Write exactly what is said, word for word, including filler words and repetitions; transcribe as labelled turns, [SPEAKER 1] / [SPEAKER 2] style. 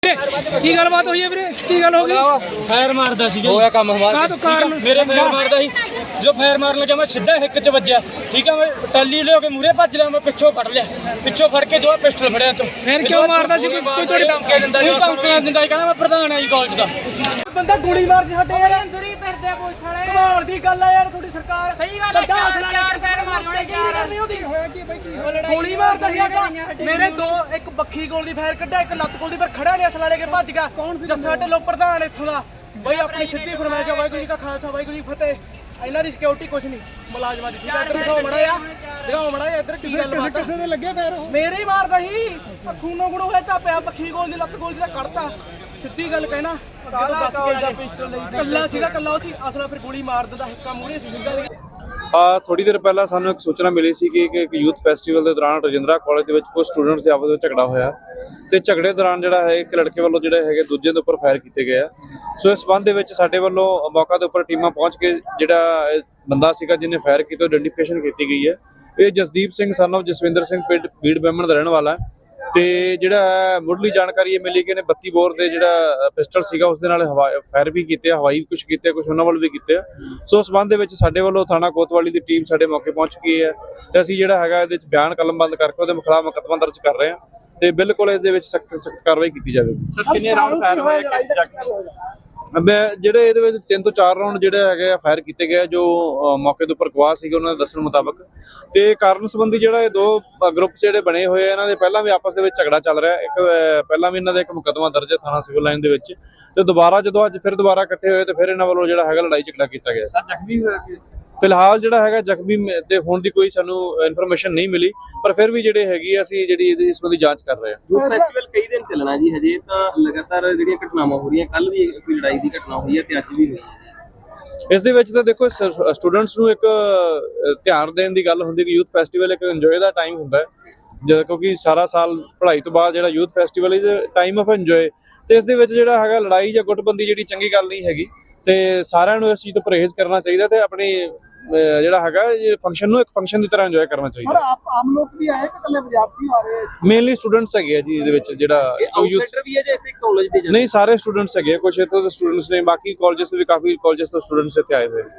[SPEAKER 1] की गलबात हुई है वीरे की गल हो गई
[SPEAKER 2] फायर मारदा सी
[SPEAKER 3] होया काम हमारा
[SPEAKER 1] तो कारण
[SPEAKER 2] मेरे फायर मारदा सी जो फायर मारन लगा मैं सीधा हिक च वज्या ठीक है मैं टल्ली ले के मूरे भज लिया मैं पिछों फड़ लिया पिछों फड़ के दो पिस्टल फड़िया तो
[SPEAKER 1] फिर क्यों मारदा सी कोई कोई थोड़ी
[SPEAKER 2] धमकी दिंदा जी धमकी दिंदा कहना मैं प्रधान है जी कालेज दा
[SPEAKER 3] ਬੰਦਾ ਗੋਲੀ ਮਾਰ ਕੇ ਸਾਡੇ ਯਾਰ
[SPEAKER 4] ਅੰਦਰ ਹੀ ਫਿਰਦੇ ਪੁਲਿਸ ਵਾਲੇ
[SPEAKER 3] ਕਮਾਲ ਦੀ ਗੱਲ ਆ ਯਾਰ ਤੁਹਾਡੀ ਸਰਕਾਰ
[SPEAKER 4] ਸਹੀ ਗੱਲ ਹੈ, ਚਾਰ- ਚਾਰ ਪੈਰ ਮਾਰੇ ਹੋਣੇ,
[SPEAKER 3] ਕੀ ਨਹੀਂ ਕਰਨੀ ਉਹਦੀ ਹੋਇਆ ਕੀ ਬਈ ਕੀ ਗੋਲੀ ਮਾਰਦਾ ਸੀ ਆਗਾ ਮੇਰੇ ਦੋ ਇੱਕ ਬੱਖੀ ਗੋਲ ਦੀ ਫਾਇਰ ਕੱਢਿਆ ਇੱਕ ਲੱਤ ਗੋਲ ਦੀ ਪਰ ਖੜਾ ਨੇ ਅਸਲਾ ਲੈ ਕੇ ਭੱਜ ਗਿਆ ਜੱਸਾ ਢਿੱਲੋਂ ਪ੍ਰਧਾਨ ਇੱਥੋਂ ਦਾ ਬਈ ਆਪਣੀ ਸਿੱਧੀ ਫਰਮਾਇਸ਼ ਆ ਵਾਹਿਗੁਰੂ ਜੀ ਕਾ ਖਾਲਸਾ ਵਾਹਿਗੁਰੂ ਜੀ ਕੀ ਫਤਿਹ ਇਹਨਾਂ ਦੀ ਸਿਕਿਉਰਿਟੀ ਕੁਛ ਨਹੀਂ ਮੁਲਾਜ਼ਮਾਂ ਦੀ ਠੀਕ ਹੈ ਇੱਧਰ ਦਿਖਾਓ ਮੜਾ ਆ ਦਿਖਾਓ ਮੜਾ ਇੱਧਰ ਕੀ ਗੱਲ ਬਾਤ ਕਿਸੇ ਦੇ ਲੱਗੇ ਫੇਰ ਮੇਰੇ ਹੀ ਮਾਰਦਾ ਸੀ ਖੂਨੋ ਗੁਣੋ ਹੋਇਆ ਚਾਪਿਆ ਬੱਖੀ ਗੋਲ ਦੀ ਲੱਤ ਗੋਲ ਦੀ ਤਾਂ ਕੱਢਤਾ ਸਿੱਧੀ ਗੱਲ ਕਹਿਣਾ ਅੱਗੇ ਤੋਂ ਦੱਸ ਗਿਆ ਕੱਲਾ ਸੀਗਾ ਕੱਲਾ ਉਹ ਸੀ ਅਸਲਾ ਫਿਰ ਗੋਲੀ ਮਾਰ ਦਿੰਦਾ ਹਿੱਕਾ ਮੂਹਰੇ ਸੀ ਸਿੱਧਾ
[SPEAKER 5] ਆ ਥੋੜੀ ਦੇਰ ਪਹਿਲਾਂ ਸਾਨੂੰ ਇੱਕ ਸੂਚਨਾ ਮਿਲੀ ਸੀ ਕਿ ਇੱਕ ਯੂਥ ਫੈਸਟੀਵਲ ਦੇ ਦੌਰਾਨ ਰਜਿੰਦਰਾ ਕਾਲਜ ਦੇ ਵਿੱਚ ਕੁਝ ਸਟੂਡੈਂਟਸ ਦੇ ਆਪਸ ਵਿੱਚ ਝਗੜਾ ਹੋਇਆ ਤੇ ਝਗੜੇ ਦੌਰਾਨ ਜਿਹੜਾ ਹੈ ਇੱਕ ਲੜਕੇ ਵੱਲੋਂ ਜਿਹੜੇ ਹੈਗੇ ਦੂਜੇ ਦੇ ਉੱਪਰ ਫਾਇਰ ਕੀਤੇ ਗਏ ਆ। ਸੋ ਇਸ ਸੰਬੰਧ ਦੇ ਵਿੱਚ ਸਾਡੇ ਵੱਲੋਂ ਮੌਕਾ ਦੇ ਉੱਪਰ ਟੀਮਾਂ ਪਹੁੰਚ ਕੇ ਜਿਹੜਾ ਇਹ ਬੰਦਾ ਸੀਗਾ ਜਿਹਨੇ ਫਾਇਰ ਕੀਤਾ ਆਇਡੈਂਟੀਫਿਕੇਸ਼ਨ ਕੀਤੀ ਗਈ ਹੈ। ਇਹ ਜਸਦੀਪ ਸਿੰਘ ਸਨ ਆਫ ਜਸਵਿੰਦਰ ਸਿੰਘ ਪਿੰਡ ਬੀੜ ਬੈਮਣ ਦਾ ਰਹਿਣ ਵਾਲਾ ਹੈ ਤੇ ਜਿਹੜਾ ਮੁੱਢਲੀ ਜਾਣਕਾਰੀ ਇਹ ਮਿਲੀ ਕਿ ਇਹਨੇ ਬੱਤੀ ਬੋਰ ਦੇ ਜਿਹੜਾ ਪਿਸਟਲ ਸੀਗਾ ਉਸ ਦੇ ਨਾਲ ਫਾਇਰ ਵੀ ਕੀਤੇ, ਹਵਾਈ ਕੁਝ ਕੀਤੇ, ਕੁਝ ਉਹਨਾਂ ਵੱਲ ਵੀ ਕੀਤੇ ਆ। ਸੋ ਉਸ ਸੰਬੰਧ ਦੇ ਵਿੱਚ ਸਾਡੇ ਵੱਲੋਂ ਥਾਣਾ ਕੋਤਵਾਲੀ ਦੀ ਟੀਮ ਸਾਡੇ ਮੌਕੇ ਪਹੁੰਚ ਗਈ ਹੈ ਤੇ ਅਸੀਂ ਜਿਹੜਾ ਹੈਗਾ ਇਹਦੇ ਵਿੱਚ ਬਿਆਨ ਕਲਮਬੰਦ ਕਰਕੇ ਉਹਦੇ ਖਿਲਾਫ ਮੁਕੱਦਮਾ ਦਰਜ ਕਰ ਰਹੇ ਹਾਂ ਤੇ ਬਿਲਕੁਲ ਇਹਦੇ ਵਿੱਚ ਸਖਤ ਸਖਤ ਕਾਰਵਾਈ ਕੀਤੀ ਜਾਵੇਗੀ।
[SPEAKER 2] ਸਰ ਕਿੰਨੇ ਰਾਉਂਡ ਫਾਇਰ ਹੋਏ
[SPEAKER 5] ਮੈਂ ਜਿਹੜੇ ਇਹਦੇ ਵਿੱਚ ਤਿੰਨ ਤੋਂ ਚਾਰ ਰਾਉਂਡ ਜਿਹੜੇ ਹੈਗੇ ਆ ਫਾਇਰ ਕੀਤੇ ਗਏ ਜੋ ਮੌਕੇ ਦੇ ਉੱਪਰ ਗਵਾਹ ਸੀਗੇ ਉਹਨਾਂ ਦੇ ਦੱਸਣ ਮੁਤਾਬਕ ਤੇ ਕਾਰਨ ਸੰਬੰਧੀ ਜਿਹੜਾ ਇਹ ਦੋ ਗਰੁੱਪ ਜਿਹੜੇ ਬਣੇ ਹੋਏ ਆ ਇਹਨਾਂ ਦੇ ਪਹਿਲਾਂ ਵੀ ਆਪਸ ਦੇ ਵਿੱਚ ਝਗੜਾ ਚੱਲ ਰਿਹਾ। ਇੱਕ ਪਹਿਲਾਂ ਵੀ ਇਹਨਾਂ ਦਾ ਇੱਕ ਮੁਕੱਦਮਾ ਦਰਜ ਹੈ ਥਾਣਾ ਸਿਵਲ ਲਾਈਨ ਦੇ ਵਿੱਚ ਤੇ ਦੁਬਾਰਾ ਜਦੋਂ ਅੱਜ ਫਿਰ ਦੁਬਾਰਾ ਇਕੱਠੇ ਹੋਏ ਤੇ ਫਿਰ ਇਹਨਾਂ ਵੱਲੋਂ ਜਿਹੜਾ ਹੈਗਾ ਲੜਾਈ ਝਗੜਾ ਕੀਤਾ ਗਿਆ।
[SPEAKER 2] ਸਰ ਜ਼ਖਮੀ ਹੋਇਆ
[SPEAKER 5] ਫਿਲਹਾਲ ਜਿਹੜਾ ਹੈਗਾ ਜ਼ਖਮੀ ਦੇ ਹੋਣ ਦੀ ਕੋਈ ਸਾਨੂੰ ਇਨਫੋਰਮੇਸ਼ਨ ਨਹੀਂ ਮਿਲੀ ਪਰ ਫਿਰ ਵੀ ਜਿਹੜੇ ਹੈਗੀ ਅਸੀਂ ਜਿਹੜੀ ਇਸ ਸੰਬੰਧੀ ਜਾਂਚ ਕਰ ਰਹੇ ਹਾਂ।
[SPEAKER 6] ਯੂਥ ਫੈਸਟੀਵਲ ਕਈ ਦਿਨ ਚੱਲਣਾ ਜੀ ਹਜੇ ਤਾਂ ਲਗਾਤਾਰ ਜਿਹੜੀਆਂ ਘਟਨਾਵਾਂ ਹੋ ਰਹੀਆਂ ਕੱਲ ਵੀ ਕੋਈ ਲੜਾਈ ਦੀ ਘਟਨਾ ਹੋਈ ਹੈ ਤੇ ਅੱਜ ਵੀ ਹੋਈ ਹੈ।
[SPEAKER 5] ਇਸ ਦੇ ਵਿੱਚ ਤਾਂ ਦੇਖੋ ਸਟੂਡੈਂਟਸ ਨੂੰ ਇੱਕ ਧਿਆਨ ਦੇਣ ਦੀ ਗੱਲ ਹੁੰਦੀ ਕਿ ਯੂਥ ਫੈਸਟੀਵਲ ਇੱਕ ਇੰਜੋਏ ਦਾ ਟਾਈਮ ਹੁੰਦਾ ਹੈ ਜਦੋਂ ਕਿਉਂਕਿ ਸਾਰਾ ਸਾਲ ਪੜ੍ਹਾਈ ਤੋਂ ਬਾਅਦ ਜਿਹੜਾ youth festival is time of enjoy ਤੇ ਇਸ ਦੇ ਵਿੱਚ ਜਿਹੜਾ ਹੈਗਾ ਲੜਾਈ ਜਾਂ ਗੁੱਟਬੰਦੀ ਜਿਹੜੀ ਚੰਗੀ ਗੱਲ ਨਹੀਂ ਹੈਗੀ ਤੇ ਸਾਰਿਆਂ ਨੂੰ ਇਸ ਚੀਜ਼ ਤੋਂ ਪਰਹੇਜ਼ ਕਰਨਾ ਚਾਹੀਦਾ ਤੇ ਆਪਣੀ ਜਿਹੜਾ ਹੈਗਾ ਇਹ ਫੰਕਸ਼ਨ ਨੂੰ ਇੱਕ ਫੰਕਸ਼ਨ ਦੀ ਤਰ੍ਹਾਂ ਇੰਜੋਏ ਕਰਨਾ ਚਾਹੀਦਾ।
[SPEAKER 3] ਸਰ ਆਪ ਆਮ ਲੋਕ ਵੀ ਆਏ ਕਿ ਇਕੱਲੇ ਵਿਦਿਆਰਥੀ ਆ ਰਹੇ
[SPEAKER 5] ਮੇਨਲੀ ਸਟੂਡੈਂਟਸ ਹੈਗੇ ਆ ਜੀ ਇਹਦੇ ਵਿੱਚ ਜਿਹੜਾ
[SPEAKER 6] ਆਊਟਸਾਈਡਰ ਵੀ ਹੈ ਜੇ ਇਸੇ ਕਾਲਜ ਦੇ
[SPEAKER 5] ਨਹੀਂ ਸਾਰੇ ਸਟੂਡੈਂਟਸ ਹੈਗੇ ਕੁਝ ਇੱਥੋਂ ਦੇ ਸਟੂਡੈਂਟਸ ਨੇ ਬਾਕੀ ਕਾਲਜਸ ਤੋਂ ਵੀ ਕਾਫੀ ਕਾਲਜਸ ਤੋਂ ਸਟੂਡੈਂਟਸ ਇੱਥੇ ਆਏ ਹੋਏ ਨੇ।